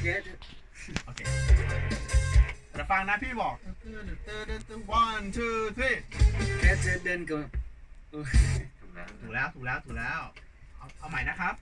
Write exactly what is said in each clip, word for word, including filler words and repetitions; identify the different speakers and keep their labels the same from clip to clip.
Speaker 1: โอเคเดี๋ยวฟังนะพี่บอก one two three
Speaker 2: แค่เธอเดินก็
Speaker 1: ถูกแล้วถูกแล้วถูกแล้วเอาเอาใหม่นะครับ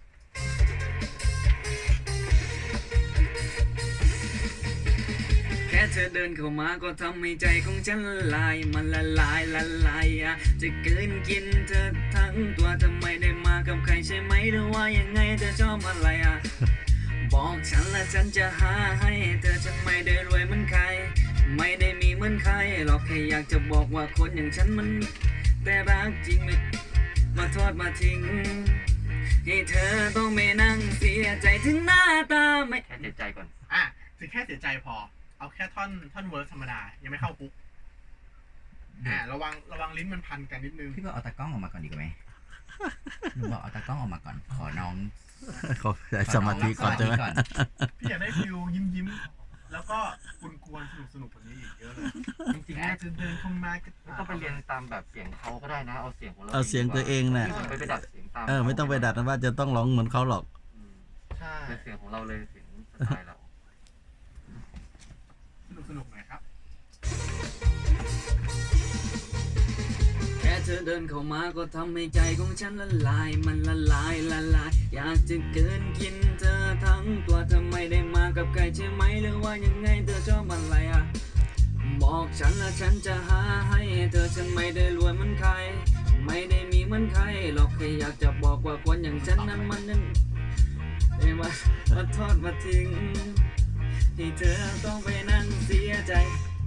Speaker 2: แค่เธอเดินเข้ามาก็ทำให้ใจของฉันละลายมันละลายละลายอะจะเกินกินเธอทั้งตัวทำไมได้มากับใครใช่ไหมหรือว่ายังไงเธอชอบอะไรอะบอกฉันและฉันจะหาให้เธอฉันไม่ได้รวยเหมือนใครไม่ได้มีเหมือนใครหรอกแค่อยากจะบอกว่าคนอย่างฉันมันแต่รักจริงไม่มาทอดมาทิ้งให้เธอต้องไม่นั่งเสียใจถึงหน้าตาไม่
Speaker 3: แค่เสียใจก่อน
Speaker 1: อ่ะถึงแค่เสียใจพอเอาแค่ท่อนท่อนเวิร์สธรรมดายังไม่เข้าปุ๊บอ่าระวังระวังลิ้นมันพันกันนิดนึง
Speaker 4: พี่บอกเอาตากล้องออกมาก่อนดีกว่าไหมหนูบอกเอาตากล้องออกมาก่อนขอน้อง
Speaker 5: ขอสมาธิก่อนใช่ไหม
Speaker 1: พี่อยากได้ฟิวยิ้มยิ้มแล้วก็กุนกวนสนุกสนุกกว่านี้อีกเยอะเลยจริงๆจะเดินเข้ามาก็
Speaker 3: ต้องไปเรียนตามแบบเสียงเขาก็ได้นะเอาเสียงของเรา
Speaker 5: เอาเสียงตัวเองน่ะ
Speaker 3: ไม่ไปดัดเสียงตาม
Speaker 5: เออไม่ต้องไปดัดนะว่าจะต้องร้องเหมือนเขาหรอก
Speaker 1: ใช่
Speaker 3: เป็นเสียงของเราเลยเสียงสไตล์เรา
Speaker 1: สนุกสนุกหน่อยครับ
Speaker 2: แค่เธอเดินเข้ามาก็ทำให้ใจของฉันละลายมันละลายละลายอยากจะเกินกินเธอทั้งตัวทำไมได้มากับใครใช่ไหมหรือว่ายังไงเธอชอบอะไรอ่ะบอกฉันและฉันจะหาให้เธอฉันไม่ได้รวยเหมือนใครไม่ได้มีเหมือนใครหรอกแค่อยากจะบอกว่าคนอย่างฉันนั้นมันนั้นได้มามาทอดมาทิ้งให้เธอต้องไปนั่งเสียใจ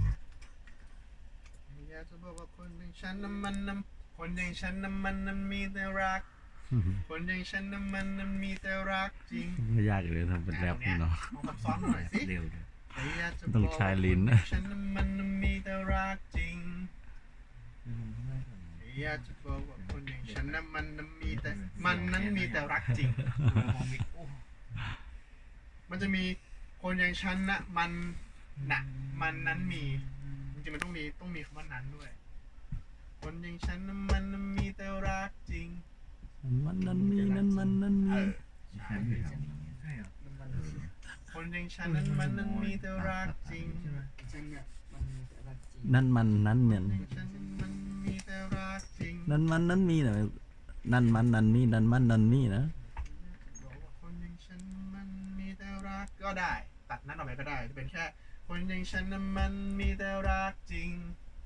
Speaker 1: อยากจะบอกว่าคนอย่างฉันนั้นมันนั้นคนอย่างฉันนั้นมันนั้นมีแต่รักคนอย่างฉันนั้นมันนั้นมีแต่รักจริง
Speaker 5: ไม่ยากเลยทำเป็นแรปเนาะ
Speaker 1: ซับซ้อนหน่อยสิ
Speaker 4: เร็ว
Speaker 5: ต้องใช้ลิ้น
Speaker 1: ฉันนั้นมันนั้นมีแต่รักจริงอยากจะบอกว่าคนอย่างฉันนั้นมันนั้นมีแต่มันนั้นมีแต่รักจริงมันจะมีคนอย่างฉันนะมันนะมันนั้นมีจริงๆมันต้องมีต้องมีคำว่านั้นด้วยคนอย่างฉันนั้นมันนั้นมีแต่รักจริง
Speaker 5: มันนั้นมีนั้นมันนั้นมี
Speaker 1: คนอย่างฉันนั้นมันนั้นมีแต่รักจริง
Speaker 5: นั่นมันนั้นเนี่ยนั่นมันนั้นมีนะนั่นมันนั้นมีนั่นมันนั้นมีนะ
Speaker 1: คนอย่างฉันมันมีแต่รักก็ได้ตัดนั้นออกไปก็ได้จะเป็นแค่คนอย่างฉันนั้นมันมีแต่รักจริง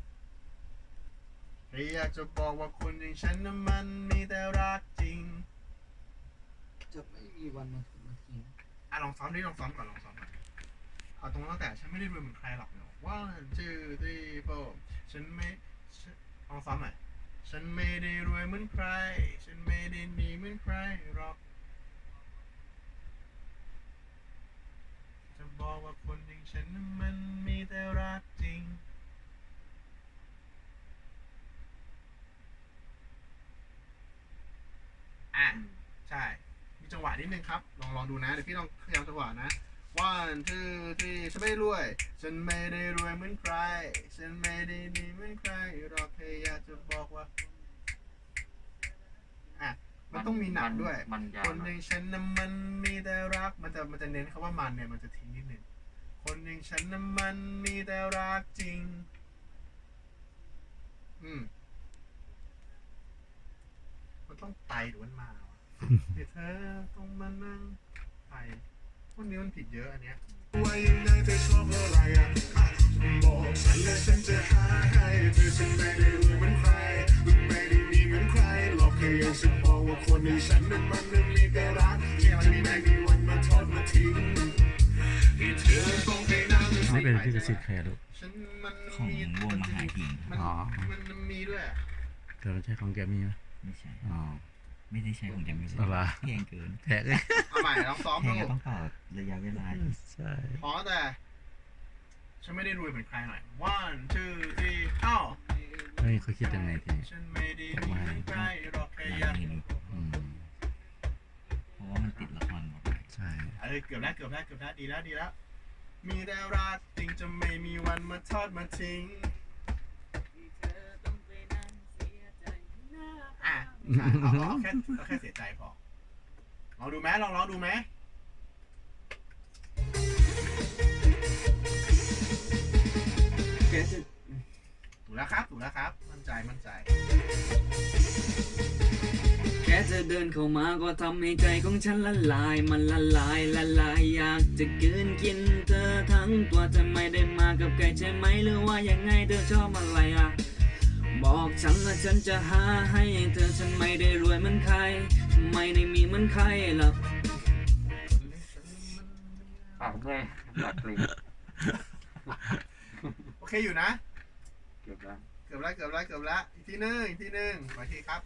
Speaker 1: อยากจะบอกว่าคนอย่างฉันนั้นมันมีแต่รักจริง
Speaker 2: จะไม่มีวันมาถึงนาที
Speaker 1: อ่ะลองซ้อมดิลองซ้อมก่อนลองซ้อมก่อนเอาตรงตั้งแต่ฉันไม่ได้รวยเหมือนใครหรอกเนาะ one two three four ฉันไม่ลองซ้อมหน่อยฉันไม่ได้รวยเหมือนใครฉันไม่ได้มีเหมือนใครหรอกจะบอกว่าคนอย่างฉันนั้นมันมีแต่รักจริงอ่ะใช่มีจังหวะนิดนึงครับลองลองดูนะเดี๋ยวพี่ลองพยายามจังหวะนะ one two three ฉันไม่รวยฉันไม่ได้รวยเหมือนใครฉันไม่ได้ดีเหมือนใครหรอกแค่อยากจะบอกว่าอ่ะมันต้องมีหนักด้วยคนอย่างฉันนั้นมันมีแต่รักมันจะมันจะเน้นคำว่ามันเนี่ยมันจะทิ้งนิดนึงคนอย่างฉันนั้นมันมีแต่รักจริงอืมมันต้องไตหรือมันมาเดี๋ยวเธอต้องมานั่งไตพวกนี้มันผิดเยอะอันเนี้ยว่ายังไงเธอชอบอะไรอ่ะบอกฉันและฉันจะหาให้เธอฉันไม่ได้รวยเหมือนใครไม่ได้มีเหมือนใครหรอกแค่อยากจะบอกว่าคนในฉันนั้นมันนั้นมีแต่รักที่จะไม่มีวันมาทอดมาทิ้งให้เธอต้องไปนั่ง
Speaker 5: ไม่เป็นที่กระซิบใครลูก
Speaker 4: ของวงมหาหิง
Speaker 1: อ๋อมันมีด้วย
Speaker 5: แต่มันใช่ของแกมีไหม
Speaker 4: ไม่ใช่อ๋อไม่ได้ใช้ของแกไม่ใช่แพงเกิน
Speaker 5: แพงเลย
Speaker 1: เอาใหม่ลองซ้อมดู
Speaker 4: ต้องต่อระยะเวลา
Speaker 5: ใช่
Speaker 1: พอแต่ฉันไม่ได้รวยเหมือนใครหน่อย one two three เอ้า
Speaker 5: เฮ้ยเขาคิดยังไงที
Speaker 1: ฉันไม่ได้รวยเหมือนใครหรอกแค่อยาก
Speaker 4: เพราะว่ามันติดละครหมด
Speaker 5: ใช่
Speaker 1: เออเกือบแล้วเกือบแล้วเกือบแล้วดีแล้วดีแล้วมีแต่รักจริงจะไม่มีวันมาทอดมาทิ้งอ่ะเอาเอาแค่เอาแค่เสียใจพอลองดูไหมลองลองดูไหมครับ มั่นใจมั่นใจ
Speaker 2: แค่เธอเดินเข้ามาก็ทำให้ใจของฉันละลายมันละลายละลายอยากจะกลืนกินเธอทั้งตัวเธอไม่ได้มากับใครใช่ไหมหรือว่ายังไงเธอชอบอะไรอ่ะบอกฉันและฉันจะหาให้เธอฉันไม่ได้รวยเหมือนใครไม่ได้มีเหมือนใครหรอก
Speaker 3: ปากเมื่อยปากกลิ้ง
Speaker 1: โอเคอยู่นะ
Speaker 3: เก็บแล้ว
Speaker 1: เกือบแล้วเกือบแล้วเกือบแล้วอีกทีหนึงอีกทีหนึงโอเคครับ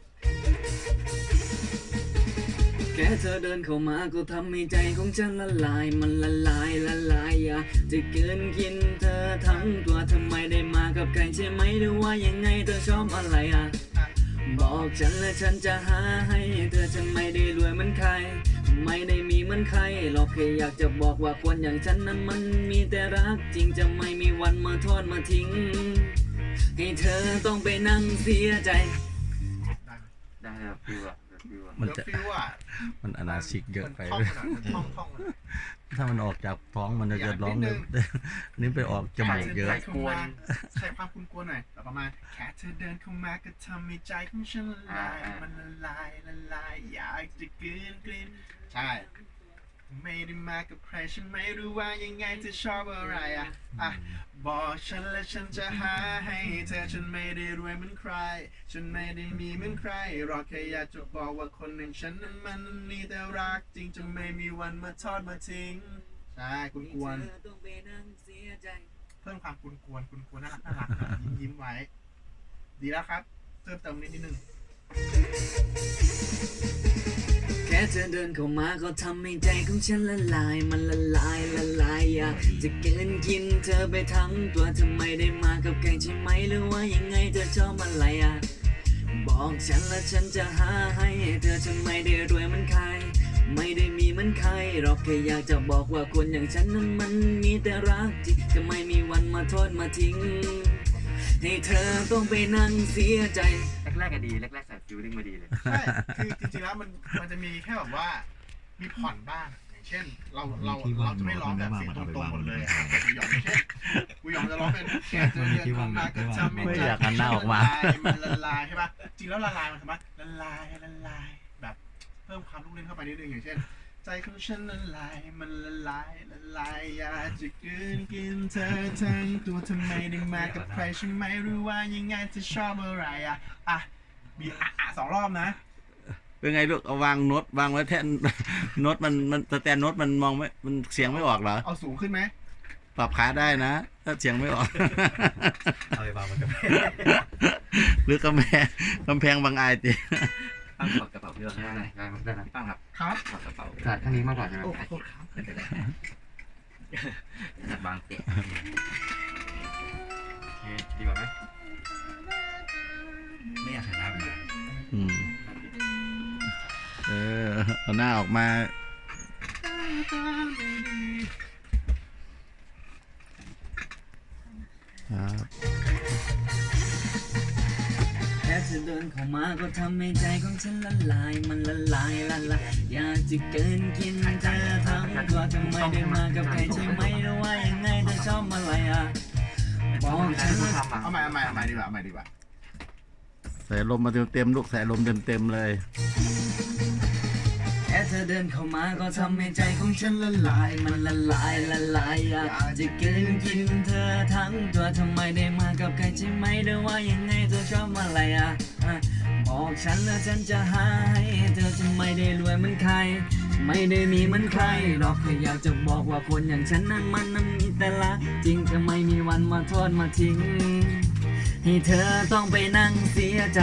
Speaker 2: แค่เธอเดินเข้ามาก็ทำให้ใจของฉันละลายมันละลายละลายอยากจะเกินกินเธอทั้งตัวทำไมได้มากับใครใช่ไหมหรือว่ายังไงเธอชอบอะไรอ่ะบอกฉันและฉันจะหาให้เธอฉันไม่ได้รวยเหมือนใครไม่ได้มีเหมือนใครหรอกแค่อยากจะบอกว่าคนอย่างฉันนั้นมันมีแต่รักจริงจะไม่มีวันมาทอดมาทิ้งให้เธอต้องไปนั่งเสียใจ
Speaker 1: ได้ไหม
Speaker 3: ได้แบบฟิวอะแบบฟิวอะ
Speaker 5: มัน
Speaker 1: เดี๋ยว
Speaker 5: จะ
Speaker 1: ฟิวอ่ะ
Speaker 5: มันอนาชิกเยอะไป
Speaker 1: มันท่องมันท่องท่องมัน
Speaker 5: ถ้ามันออกจากท้องมันจะ
Speaker 1: อย่า
Speaker 5: จะร้อง
Speaker 1: นิดนึ
Speaker 5: เลย
Speaker 1: ง
Speaker 5: นี่ไปออกจมูกเยอะ
Speaker 1: ใส่กวนใส่ความคุณกวนหน่อยแล้วประมาณแค่เธอเดินเข้ามาก็ทำให้ใจของฉันละลายมันละลายละลายอยากจะกลืนกลืนใช่ไม่ได้มากับใครฉันไม่รู้ว่ายังไงเธอชอบอะไรอ่ะอ่ะบอกฉันและฉันจะหาให้เธอฉันไม่ได้รวยเหมือนใคร ฉันไม่ได้มีเหมือนใครหรอกแค่อยากจะบอกว่าคนหนึ่งฉันนั้นมันมีแต่รักจริงจะไม่มีวันมาทอดมาทิ้งใช่คุณกวน
Speaker 2: เธอต้องไปนั่งเสียใจ
Speaker 1: เพิ่มความกุนกวนกุนกวนน่ารักน่ารักหน่อยยิ้มยิ้มไว้ ดีแล้วครับ เพิ่มเติมนิดนิดนึง
Speaker 2: แค่เธอเดินเข้ามาก็ทำให้ใจของฉันละลายมันละลายละลายอยากจะเกินกินเธอไปทั้งตัวเธอไม่ได้มากับใครใช่ไหมหรือว่ายังไงเธอชอบอะไรอ่ะบอกฉันและฉันจะหาให้เธอฉันไม่ได้รวยเหมือนใครไม่ได้มีเหมือนใครหรอกแค่อยากจะบอกว่าคนอย่างฉันนั้นมันมีแต่รักจริงจะไม่มีวันมาโทษมาทิ้งให้เธอต้องไปนั่งเสียใจ
Speaker 3: แรกๆก็ดีแรกๆใส่ฟิวดิ้งมาดีเลย
Speaker 1: ใช่ คือจริงๆแล้วมันมันจะมีแค่แบบว่า มีผ่อนบ้าง อย่างเช่น เราเราเราจะไม่ร้องแบบเสียงตรงๆหมดเลยอะกูยอมไม่ใช่กูยอมจะร้องเป็นแค่เธอเดินเข้ามาก็ทำให้
Speaker 5: ไม่
Speaker 1: ใจ
Speaker 5: อยากหันหน้าออกมา
Speaker 1: มันละลายใช่ปะจริงแล้วละลายมันทำไมละลายละลายแบบเพิ่มความลูกเล่นเข้าไปนิดนึงอย่างเช่น ใจของฉันละลายมันละลายละลายอยากจะกลืนกินเธอทั้งตัวทำไมได้มากับใครฉันไม่รู้ว่ายังไงจะชอบอะไรอ่ะอ่ะบีอ่ะอ่ะสองรอบนะ
Speaker 5: เป็นไงลูกเอาวางโน้ตวางไว้แท่น โน้ตมันมันสแตนโน้ตมันมองไม่มันเสียงไม่ออกเหรอ
Speaker 1: เอาสูงขึ้นไหม
Speaker 5: ปรับขาได้นะ ถ้าเสียงไม่ออก
Speaker 3: เอาไปวางบนกระเป๋า
Speaker 5: หรือกำแพงกำแพงบางอายติ
Speaker 3: ตั้งกดกระเป๋าเยอะได้ไหมได้ได้ไหมตั้งครับ
Speaker 1: ครับ
Speaker 3: กดกระเป๋าขาดข้างนี้มากกว่าใช่ไหม
Speaker 1: โอ้โหครับ
Speaker 3: ไม่เป็นไรจัดวางเตะโอเคดีกว่าไหม
Speaker 4: ไม่อยากหันหน้าไป
Speaker 5: อืมเออเอาหน้าออกมาครับ
Speaker 2: แค่เธอเดินเข้ามาก็ทำให้ใจของฉันละลายมันละลายละลายอยากจะเกินกินเธอทั้งตัวทำไมได้มากับใครใช่ไหมหรือว่ายังไงเธอชอบอะไรอ่ะบอกฉันและ
Speaker 3: ทำอ่ะ
Speaker 1: เอาใหม่เอาใหม่เอาใหม่ดีกว่าเอาใหม่ดีกว่า
Speaker 5: ใส่ลมมาเต็มๆลูกใส่ลมเต็มๆเลย
Speaker 2: แค่เธอเดินเข้ามาก็ทำให้ใจของฉันละลายมันละลายละลายอยากจะเกินกินเธอทั้งตัวทำไมได้มากับใครใช่ไหมหรือว่ายังไงเธอชอบอะไรอ่ะอ่ะบอกฉันแล้วฉันจะหาให้เธอจะไม่ได้รวยเหมือนใครไม่ได้มีเหมือนใครหรอกแค่อยากจะบอกว่าคนอย่างฉันนั้นมันนั้นมีแต่ละจริงจะไม่มีวันมาโทษมาทิ้งให้เธอต้องไปนั่งเสียใจ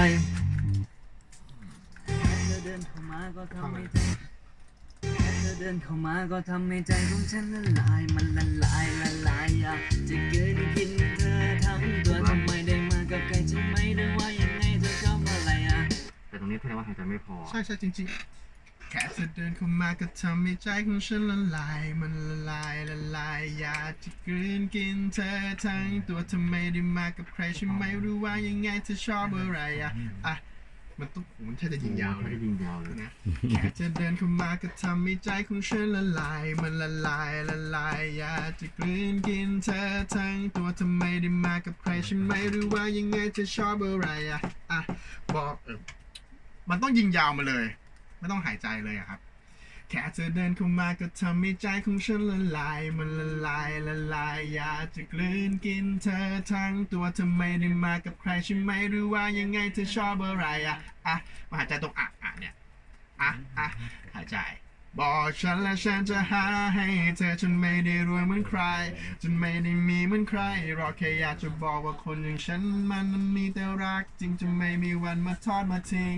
Speaker 2: เธอเดินเข้ามาก็ทำให้ใจเธอเดินเข้ามาก็ทำให้ใจของฉันละลายมันละลายละลายอยากจะเกินกินเธอทั้งตัวทำไมได้มากับใครใช่ไหมหรือว่ายังไงเธอชอบอะไรอ่ะ
Speaker 3: แต่ตรงนี้แสดงว่าหายใจไม่พอ
Speaker 1: ใช่ใช่จริงๆ แค่เธอเดินเข้ามาก็ทำให้ใจของฉันละลายมันละลายละลายอยากจะกลืนกินเธอทั้งตัวทำไมได้มากับใครฉันไม่รู้ว่ายังไงเธอชอบอะไรอ่ะอ่ะมันต้องโหมันแค่จะยิงยาวเลย
Speaker 3: ยิงยาวเลย
Speaker 1: นะแค่จะเดินเข้ามาก็ทำให้ใจของฉันละลายมันละลายละลายอยากจะกลืนกินเธอทั้งตัวทำไมได้มากับใครใช่ไหมหรือว่ายังไงจะชอบอะไรอ่ะอ่ะบอกเออมันต้องยิงยาวมาเลย ไม่ต้องหายใจเลยอะครับแค่เธอเดินเข้ามาก็ทำให้ใจของฉันละลายมันละลายละลายอยากจะกลืนกินเธอทั้งตัวทำไมได้มากับใครใช่ไหมหรือว่ายังไงเธอชอบอะไรอ่ะอ่ะมาหายใจตรงอ่ะอ่ะเนี่ยอ่ะอ่ะหายใจบอกฉันและฉันจะหาให้เธอฉันไม่ได้รวยเหมือนใครฉันไม่ได้มีเหมือนใครรอแค่อยากจะบอกว่าคนอย่างฉันมันมีแต่รักจริงจะไม่มีวันมาทอดมาทิ้ง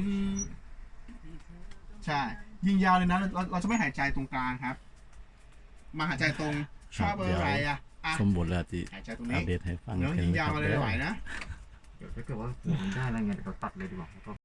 Speaker 1: ใช่ยิงยาวเลยนะเราเราจะไม่หายใจตรงกลางครับ มาหายใจตรงชอบอะไรอ่ะอ่ะ
Speaker 5: สมบูรณ์แล้วที่
Speaker 1: หายใจตรง
Speaker 5: อั
Speaker 1: นี้
Speaker 5: ปเดตให้ฟัง
Speaker 1: เนื้อยิงยาวมาเลยไหวนะ
Speaker 3: เดี๋ยวถ้าเกิดว่าหัวมันได้อะไรเงี้ยเดี๋ยวเราตัดเลยดีกว่า